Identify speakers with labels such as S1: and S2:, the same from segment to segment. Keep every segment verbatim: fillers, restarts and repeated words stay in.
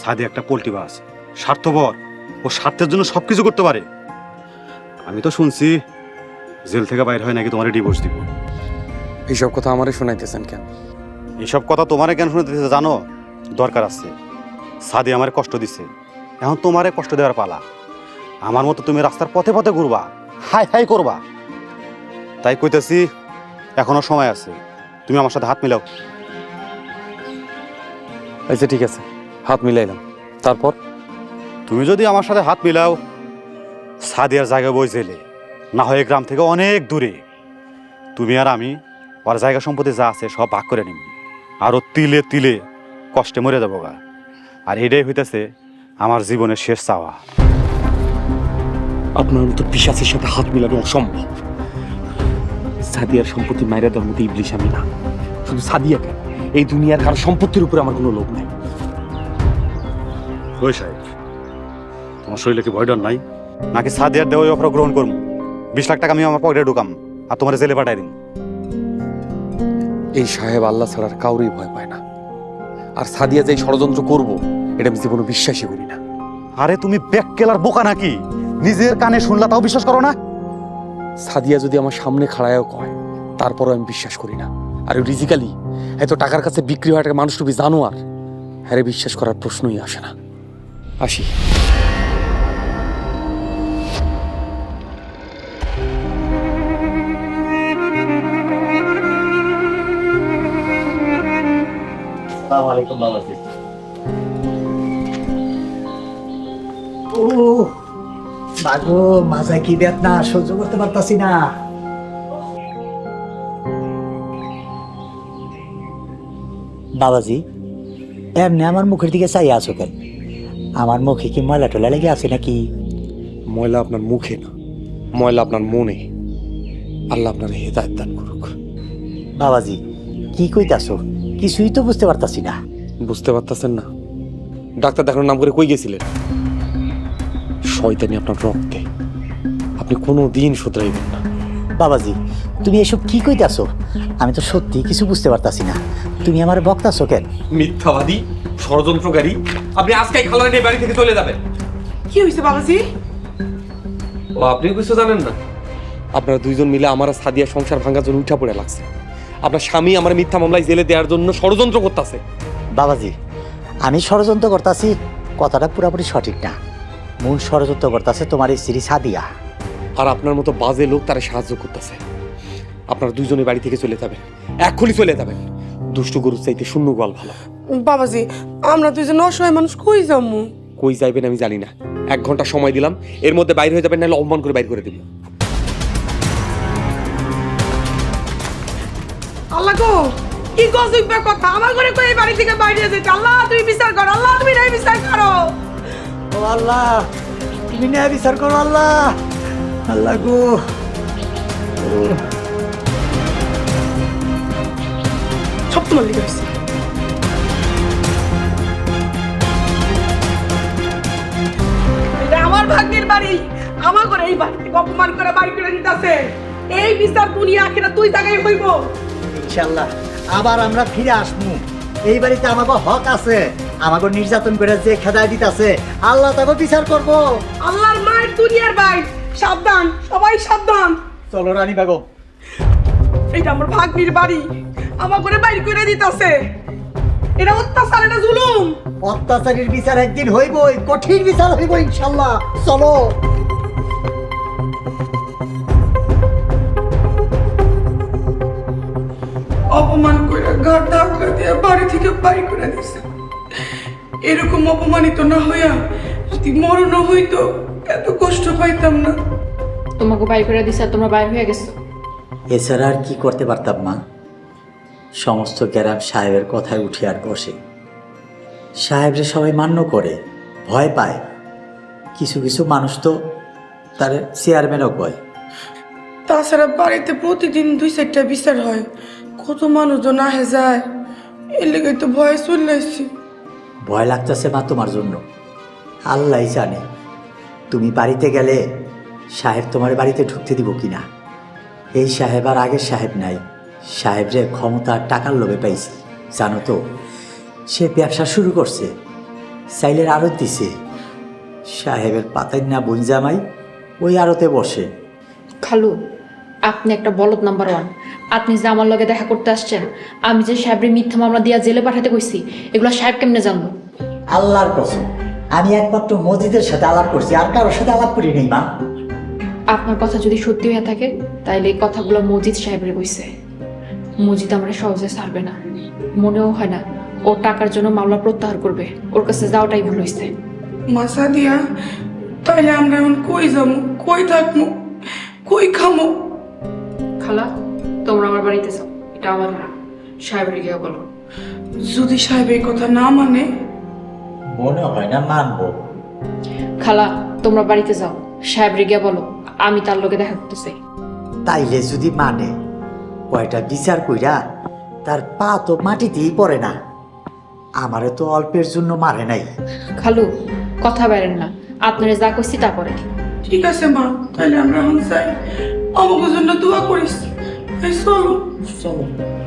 S1: সাদে একটা পোল্ট্রি বাস, স্বার্থপর, ও স্বার্থের জন্য সব কিছু করতে পারে। আমি তো শুনছি জেল থেকে বাইর হয় নাকি তোমার ডিভোর্স দিব।
S2: এইসব কথা আমারে শোনাইতেছেন কেন?
S1: এইসব কথা তোমারে কেন শুনতে দিতে জানো? দরকার আছে। সাদি আমার কষ্ট দিছে, এখন তোমারে কষ্ট দেওয়ার পালা। আমার মতো তুমি রাস্তার পথে পথে ঘুরবা, হাই হাই করবা। তাই কইতেছি এখনো সময় আছে, তুমি আমার সাথে হাত মিলাও।
S2: আচ্ছা ঠিক আছে, হাত মিলাইলাম। তারপর
S1: তুমি যদি আমার সাথে হাত মিলাও, সাদিয়ার জায়গা বই জেলে, না হয় গ্রাম থেকে অনেক দূরে। তুমি আর আমি ওর জায়গা সম্পত্তি যা আছে সব ভাগ করে নিব, আরও তিলে তিলে কষ্টে মরে যাবো গা। আর এটাই হইতেছে আমার জীবনের শেষ চাওয়া।
S2: আপনার মতো পিশাচের সাথে হাত মিলানো অসম্ভব। সাদিয়ার সম্পত্তি মাইরা দেওয়ার মতো ইবলিশ আমি না। শুধু সাদিয়া কেন, এই দুনিয়ার কারো সম্পত্তির উপরে আমার কোনো লোভ নাই।
S1: ওই সাহেব, তোমার শরীরে কি ভয় ডর নাই? নাকি সাদিয়ার দেওয়া অফার গ্রহণ করবো? বিশ লাখ টাকা আমি আমার পকেটে ঢুকাম আর তোমার জেলে পাঠাই দিন।
S2: এই সাহেব আল্লাহ ছাড়ার কাউরই ভয় পায় না। আর সাদিয়া যে ষড়যন্ত্র করবো এটা আমি জীবনে বিশ্বাসই করি না।
S1: আরে তুমি ব্যাককেলার বোকা নাকি? নিজের কানে শুনলা তাও বিশ্বাস করো না?
S2: সাদিয়া যদি আমার সামনে খাড়ায়ও কয়, তারপরও আমি বিশ্বাস করি না। আর রিজিক্যালি এত টাকার কাছে বিক্রি হওয়া একটা মানুষ তুমি জানো, আর হ্যাঁ বিশ্বাস করার প্রশ্নই আসে না। আসি।
S3: আসসালামু আলাইকুম বাবাজি। ও বাগো, মাজা কি বেদনা, সহ্য করতে পারতাছি না। বাবাজি, এমনি আমার মুখের দিকে চাই আছো কেন? আমার মুখে কি ময়লা টলা লেগে আছে নাকি?
S2: ময়লা আপনার মুখে না, ময়লা আপনার মনে। আল্লাহ আপনার হেদায়েত দান করুক।
S3: বাবাজি কি কইতাছো? কিছুই তো বুঝতে পারতাছি না।
S2: বুঝতে পারতেছেন না? ডাক্তার দেখানোর নাম করে কই গেছিলেন? শয়তানি আপনার রক্তে, আপনি কোনো দিন শুধরাইবেন না।
S3: বাবাজি তুমি এসব কি কইতাছো? আমি তো সত্যি কিছু বুঝতে পারতাছি না। তুমি আমার বকতাছো কেন?
S2: মিথ্যাবাদী, ষড়যন্ত্রকারী, আপনি আজকেই খালার নিয়ে বাড়ি থেকে চলে যাবেন।
S4: কি হয়েছে বাবাজি?
S2: ও আপনি কিছু জানেন না? আপনারা দুইজন মিলে আমার আর সাদিয়া সংসার ভাঙার জন্য উঠা পড়ে লাগছে। আপনার স্বামী আমার মিথ্যা মামলায় জেলে দেওয়ার জন্য ষড়যন্ত্র করতেছে।
S3: বাবাজি আমি ষড়যন্ত্র করতাছি কথাটা পুরোপুরি সঠিক না। মূল ষড়যন্ত্র করতেছে তোমার এই স্ত্রী সাদিয়া।
S2: আর আপনার মতো বাজে লোক তারা সাহায্য করতেছে। আপনারা দুইজনে বাড়ি থেকে চলে যাবেন, এক্ষুনি চলে যাবেন। দুষ্টু গরুর চাইতে শূন্য গোয়াল ভালো।
S4: বাবাজি আমরা দুইজন অসহায় মানুষ, কই যাবো?
S2: কই যাইবেন আমি জানি না। এক ঘন্টা সময় দিলাম, এর মধ্যে বাইরে হয়ে যাবেন, নাহলে অপমান করে বাইর করে দিব।
S4: আল্লাহ গো, কি গজব কথা! আমার ঘরে কই এই বাড়ি থেকে বাইরে যেতে? আল্লাহ তুমি বিচার করো, আল্লাহ তুমি নাই বিচার করো।
S3: ও আল্লাহ, তুমি ন্যায় বিচার করো আল্লাহ। আল্লাহ গো,
S4: সব তোমার লিখে হয়েছে। এটা আমার ভাগ্যের বাড়ি, আমার ঘরে এই বাড়ি থেকে অপমান করে বাড়ি করে দিতেছে। এই বিচার দুনিয়া আখিরাত দুই জায়গায় হইব।
S3: ইনশাআল্লাহ আবার আমরা ফিরে আসবো। এই বাড়িতে আমাকে হক আছে। আমাকে নির্যাতন করে যে খেদায় দিতেছে, আল্লাহ তাকে বিচার করবো।
S4: আল্লাহর মায়ের দুনিয়ার ভাই, সাবধান, সবাই সাবধান।
S3: চলো রানী বেগম।
S4: এটা আমার ভাগ্নির বাড়ি, আমার ঘরে বাইর করে দিতেছে। এটা অত্যাচার, এটা জুলুম।
S3: অত্যাচারীর বিচার একদিন হইবই, কঠিন বিচার হইব ইনশাআল্লাহ। চলো।
S4: অপমান করে ঘাট ধাক্কা দিয়ে বাড়ি থেকে বাড়ি করে দিছে। এরকম অপমানিত না হইয়া যদি মরণ হইতো এত কষ্ট পাইতাম না।
S5: তোমাকে বাই করে দিছে আর তোমরা বাইর হয়ে গেছো।
S3: এছাড়া আর কি করতে পারতাম মা? সমস্ত গ্রাম সাহেবের কথায় উঠে আর বসে। সাহেবরে সবাই মান্য করে, ভয় পায়। কিছু কিছু মানুষ তো তার চেয়ারম্যানও কয়।
S4: তাছাড়া বাড়িতে প্রতিদিন দুই চারটা বিচার হয়, কত মানুষজন আহে যায়। এর লেগে তো ভয় চলে আসছি।
S3: ভয় লাগতেছে মা তোমার জন্য? আল্লাহ জানে তুমি বাড়িতে গেলে সাহেব তোমার বাড়িতে ঢুকতে দিব কিনা। এই সাহেব আর আগের সাহেব নাই। সাহেবরে ক্ষমতা আর টাকার লোভে পাইছি জানো তো। সে ব্যবসা শুরু করছে, চাইলের আড়ত দিছে। সাহেবের পাতায় না বোন জামাই ওই আড়তে বসে।
S5: খালু, আপনি একটা বলদ নাম্বার ওয়ান। আপনি যে আমার লগে দেখা করতে আসছেন, আমি যে সাহেবের মিথ্যা মামলা দিয়া জেলে পাঠাতে কইছি, এগুলো সাহেব কেমনে জানলো?
S3: আল্লাহর কসম, আমি একমাত্র মসজিদের সাথে আলাপ করছি, আর কারোর সাথে আলাপ করি নেই মা।
S5: আপনার কথা যদি সত্যি হয়ে থাকে তাইলে এই কথাগুলো মজিদ সাহেবের কইছে। মজিদ আমরা সহজে ছাড়বে না, মনেও হয় না ও টাকার জন্য মামলা প্রত্যাহার করবে। ওর কাছে যাওয়াটাই ভুল হয়েছে।
S4: মা সাদিয়া, তাইলে আমরা এখন কই যাবো, কই থাকবো, কই খামো?
S5: খালা, তোমরা আমার বাড়িতে যাও, এটা আমার না। সাহেবের গিয়ে বলো।
S4: যদি সাহেব এই কথা না মানে?
S3: মনে হয় না মানবো।
S5: খালা, তোমরা বাড়িতে যাও, সাহেবের গিয়ে বলো আমি তার লগে দেখা করতে চাই।
S3: তাইলে যদি মানে, কয়টা বিচার কইরা তার পা তো মাটিতেই পড়ে না। আমারে তো অল্পের জন্য মারে নাই।
S5: খালু, কথা বেরেন না, আপনারা যা কইছি তা করেন।
S4: ঠিক আছে মা, তাহলে আমরা এখন যাই। আমাকে জন্য দোয়া করিস। এই চলো
S3: চলো।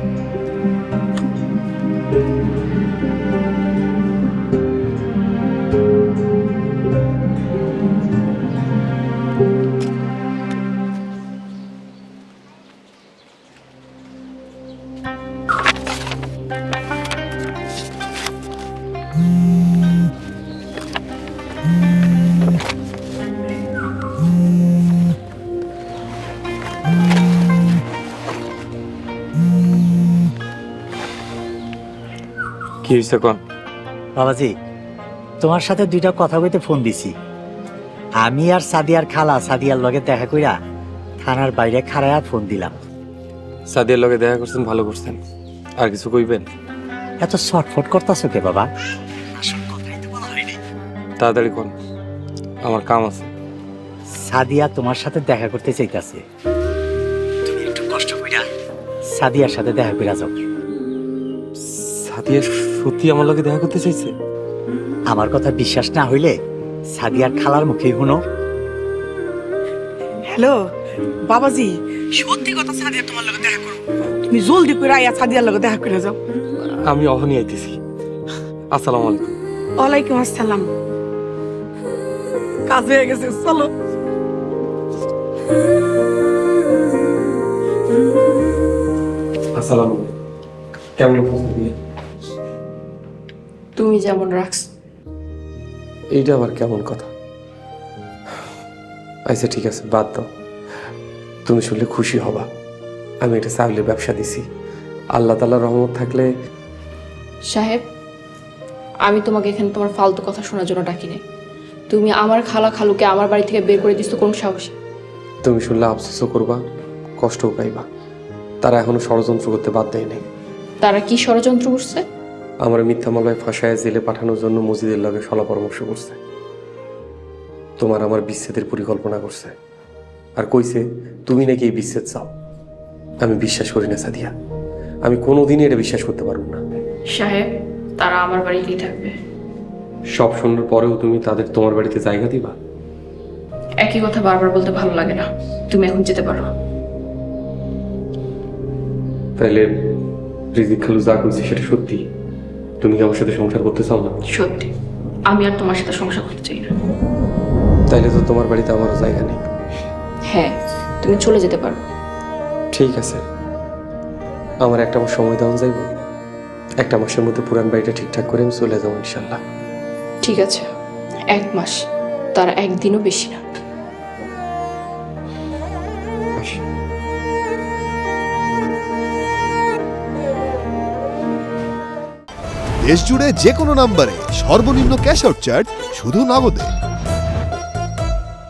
S2: কি হয়েছে কন?
S3: বাবাজি, তোমার সাথে দুইটা কথা বলতে ফোন দিছি। আমি আর সাদিয়ার খালা সাদিয়ার লগে দেখা কইরা থানার বাইরে খাড়ায়া ফোন দিলাম।
S2: সাদিয়ার লগে দেখা করছেন, ভালো করছেন। আর কিছু কইবেন?
S3: এত শর্টফট করতেছো কে বাবা? আসল কথাই তো বলা হয়নি।
S2: তাড়াতাড়ি কোন, আমার কাম আছে।
S3: সাদিয়া তোমার সাথে দেখা করতে চাইতাছে। তুমি একটু কষ্ট কইরা সাদিয়ার সাথে দেখা কইরা যাও।
S2: সাদিয়া সত্যি আমার লগে দেখা করতে চাইছে?
S3: আমার কথা বিশ্বাস না হইলে সাদিয়ার খালার মুখেই শুনো।
S4: হ্যালো বাবাজি, সত্যি কথা, সাদিয়া তোমার লগে দেখা করো। তুমি জলদি করে আইয়া সাদিয়ার লগে দেখা করে যাও।
S2: আমি অহনি আইতেছি। আসসালামু আলাইকুম।
S4: ওয়ালাইকুম আসসালাম। কাজ হয়ে গেছে, চলো।
S2: আসসালামু আলাইকুম। কেমন উপস্থিতি?
S5: তুমি যেমন রাখছো।
S2: এইটা আবার কেমন কথা? আচ্ছা ঠিক আছে, বাদ দাও। তুমি শুনলে খুশি হবা, আমি একটা চাকরির ব্যবসা দিছি। আল্লাহ তাআলার রহমত থাকলে।
S5: সাহেব, আমি তোমাকে এখানে তোমার ফালতু কথা শোনার জন্য ডাকি নাই। তুমি আমার খালা খালুকে আমার বাড়ি থেকে বের করে দিচ্ছ কোন সাহসে?
S2: তুমি শুনলে আফসোসও করবা, কষ্টও পাইবা। তারা এখনো ষড়যন্ত্র করতে বাদ দেয় নাই।
S5: তারা কি ষড়যন্ত্র করছে?
S2: আমার মিথ্যা মামলায় ফাঁসায় জেলে পাঠানোর জন্য মসজিদের লগে সলা পরামর্শ করছে। তোমার আমার বিচ্ছেদের পরিকল্পনা করছে, আর কইছে তুমি নাকি এই বিচ্ছেদ চাও। আমি বিশ্বাস করি না সাদিয়া, আমি কোনোদিনই এটা বিশ্বাস করতে পারব না।
S5: সাহেব, তারা আমার বাড়িতেই থাকবে।
S2: সব শোনার পরেও তুমি তাদের তোমার বাড়িতে জায়গা দিবা?
S5: একই কথা বারবার বলতে ভালো লাগে না। তুমি এখন যেতে পারো।
S2: তাইলে রিজিক খালু যা কইছে সেটা সত্যি? তুমি কি আমার সাথে সংসার করতে চাও না?
S5: সত্যি, আমি আর তোমার সাথে সংসার করতে চাই না।
S2: তাইলে তো তোমার বাড়িতে আমারও জায়গা নেই।
S5: হ্যাঁ, তুমি চলে যেতে পারো।
S2: ঠিক আছে, আমার একটা মাস সময় দেওয়া যাইব। একটা মাসের মধ্যে পুরান বাড়িটা ঠিকঠাক করে আমি চলে যাবো ইনশাল্লাহ।
S5: ঠিক আছে, এক মাস, তার একদিনও বেশি না।
S2: আসি।
S6: দেশ জুড়ে যে কোনো নম্বরে সর্বনিম্ন ক্যাশ আউট চার্জ শুধু নগদে।